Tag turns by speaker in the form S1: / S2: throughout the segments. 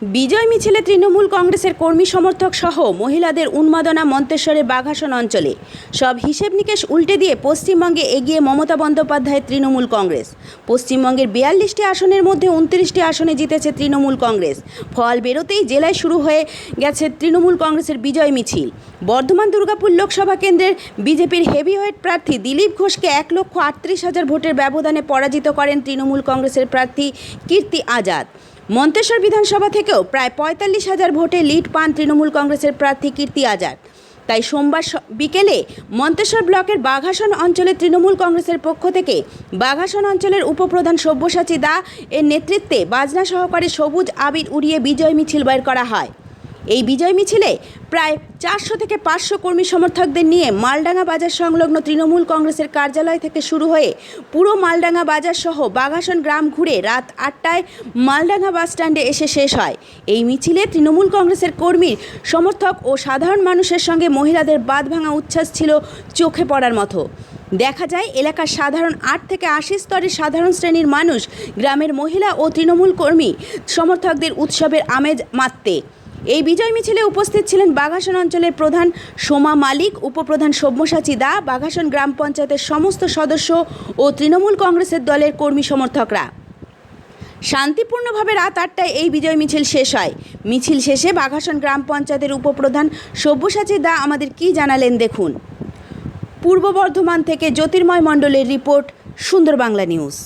S1: বিজয় মিছিলে তৃণমূল কংগ্রেসের কর্মী সমর্থক সহ মহিলাদের উন্মাদনা মন্তেশ্বরের বাঘাসন অঞ্চলে। সব হিসেব নিকেশ উল্টে দিয়ে পশ্চিমবঙ্গে এগিয়ে মমতা বন্দ্যোপাধ্যায়ের তৃণমূল কংগ্রেস। পশ্চিমবঙ্গের 42টি আসনের মধ্যে 29টি আসনে জিতেছে তৃণমূল কংগ্রেস। ফল বেরোতেই জেলায় শুরু হয়ে গেছে তৃণমূল কংগ্রেসের বিজয় মিছিল। বর্ধমান দুর্গাপুর লোকসভা কেন্দ্রের বিজেপির হেভিওয়েট প্রার্থী দিলীপ ঘোষকে 1,38,000 ভোটের ব্যবধানে পরাজিত করেন তৃণমূল কংগ্রেসের প্রার্থী কীর্তি আজাদ। মন্তেশ্বর বিধানসভা থেকেও প্রায় 45,000 ভোটে লিড পান তৃণমূল কংগ্রেসের প্রার্থী কীর্তি আজাদ। তাই সোমবার বিকেলে মন্তেশ্বর ব্লকের বাঘাসন অঞ্চলে তৃণমূল কংগ্রেসের পক্ষ থেকে বাঘাসন অঞ্চলের উপপ্রধান সব্যসাচী দা এর নেতৃত্বে বাজনা সহকারে সবুজ আবির উড়িয়ে বিজয় মিছিল বের করা হয়। এই বিজয় মিছিলে প্রায় 400 থেকে 500 কর্মী সমর্থকদের নিয়ে মালডাঙ্গা বাজার সংলগ্ন তৃণমূল কংগ্রেসের কার্যালয় থেকে শুরু হয়ে পুরো মালডাঙ্গা বাজার সহ বাঘাসন গ্রাম ঘুরে রাত 8টায় মালডাঙ্গা বাস স্ট্যান্ডে এসে শেষ হয়। এই মিছিলে তৃণমূল কংগ্রেসের কর্মী সমর্থক ও সাধারণ মানুষের সঙ্গে মহিলাদের বাঁধভাঙা উচ্ছ্বাস ছিল চোখে পড়ার মতো। দেখা যায় এলাকার সাধারণ 8 থেকে 80 স্তরের সাধারণ শ্রেণীর মানুষ গ্রামের মহিলা ও তৃণমূল কর্মী সমর্থকদের উৎসবের আমেজ মাততে। এই বিজয় মিছিলে উপস্থিত ছিলেন বাঘাসন অঞ্চলের প্রধান সোমা মালিক, উপপ্রধান সব্যসাচী দা, বাঘাসন গ্রাম পঞ্চায়েতের সমস্ত সদস্য ও তৃণমূল কংগ্রেসের দলের কর্মী সমর্থকরা। শান্তিপূর্ণভাবে রাত 8টায় এই বিজয় মিছিল শেষ হয়। মিছিল শেষে বাঘাসন গ্রাম পঞ্চায়েতের উপপ্রধান সব্যসাচী দা আমাদের কী জানালেন দেখুন। পূর্ব বর্ধমান থেকে জ্যোতির্ময় মণ্ডলের রিপোর্ট, সুন্দর বাংলা নিউজ।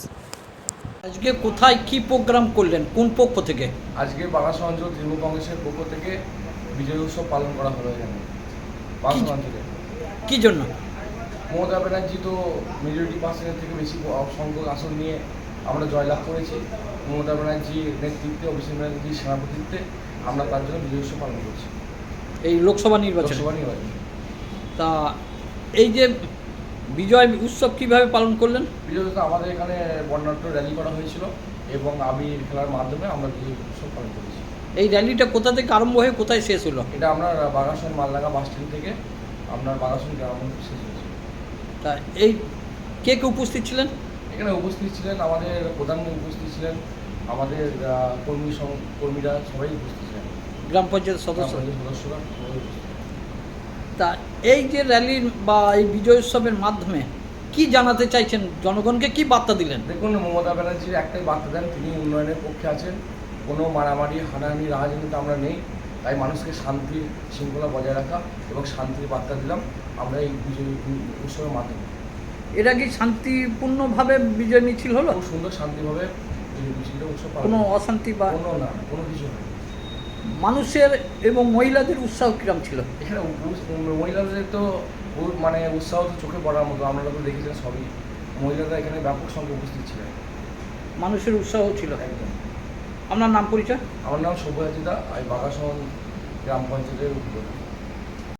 S2: আজকে কোথায় কি প্রোগ্রাম করলেন, কোন পক্ষ থেকে?
S3: আজকে বাঘাসন অঞ্চল তৃণমূল কংগ্রেসের পক্ষ থেকে বিজয় উৎসব পালন করা হলো এখানে বাঘাসন অঞ্চলে।
S2: কি জন্য?
S3: মমতা ব্যানার্জি তো মেজরিটি পার্সেন্টের থেকে বেশি সংখ্যক আসন নিয়ে আমরা জয়লাভ করেছি। মমতা ব্যানার্জির নেতৃত্বে, অভিষেক ব্যানার্জির সভাপতিত্বে আমরা তার জন্য বিজয় উৎসব পালন করছি
S2: এই লোকসভা নির্বাচন। তা এই যে বিজয় উৎসব কিভাবে পালন করলেন?
S3: বিজয় উৎসব আমাদের এখানে বর্ণাঢ্য র্যালি করা হয়েছিল এবং আবির খেলার মাধ্যমে আমরা বিজয় উৎসব পালন করেছি।
S2: এই র্যালিটা কোথা থেকে আরম্ভ হয়ে কোথায় শেষ হলো?
S3: এটা আমরা বাঘাসন মালডাঙ্গা বাস স্ট্যান্ড থেকে আপনার বাঘাসন গ্রাম শেষ হয়েছে।
S2: তা এই কে কে উপস্থিত ছিলেন?
S3: এখানে উপস্থিত ছিলেন আমাদের প্রধানমন্ত্রী, উপস্থিত ছিলেন আমাদের কর্মীরা সবাই উপস্থিত ছিলেন,
S2: গ্রাম পঞ্চায়েত সদস্যরা
S3: সবাই উপস্থিত।
S2: তা এই যে র্যালি বা এই বিজয় উৎসবের মাধ্যমে কি জানাতে চাইছেন জনগণকে, কি বার্তা দিলেন?
S3: দেখুন, মমতা ব্যানার্জির একটাই বার্তা দেন, তিনি উন্নয়নের পক্ষে আছেন। কোনো মারামারি, হানাহানি, রাজনীতিতে আমরা নেই। তাই মানুষকে শান্তির শৃঙ্খলা বজায় রাখা এবং শান্তির বার্তা দিলাম আমরা এই বিজয় উৎসবের মাধ্যমে।
S2: এটা কি শান্তিপূর্ণভাবে বিজয় মিছিল হলো?
S3: খুব সুন্দর শান্তিভাবে এই মিছিলটা উৎসব
S2: কোনো অশান্তি বা
S3: কোনো কিছু নেই।
S2: মানুষের এবং মহিলাদের উৎসাহ কিরম ছিল?
S3: এখানে মহিলাদের তো মানে উৎসাহ তো চোখে পড়ার মতো, আপনারা তো দেখেছেন সবই। মহিলারা এখানে ব্যাপক সংখ্যা উপস্থিত ছিলেন,
S2: মানুষের উৎসাহ ছিল।
S3: একদম।
S2: আপনার নাম পরিচয়?
S3: আমার নাম সব্যসাচী দা, আমি বাঘাসন গ্রাম পঞ্চায়েতের উপপ্রধান।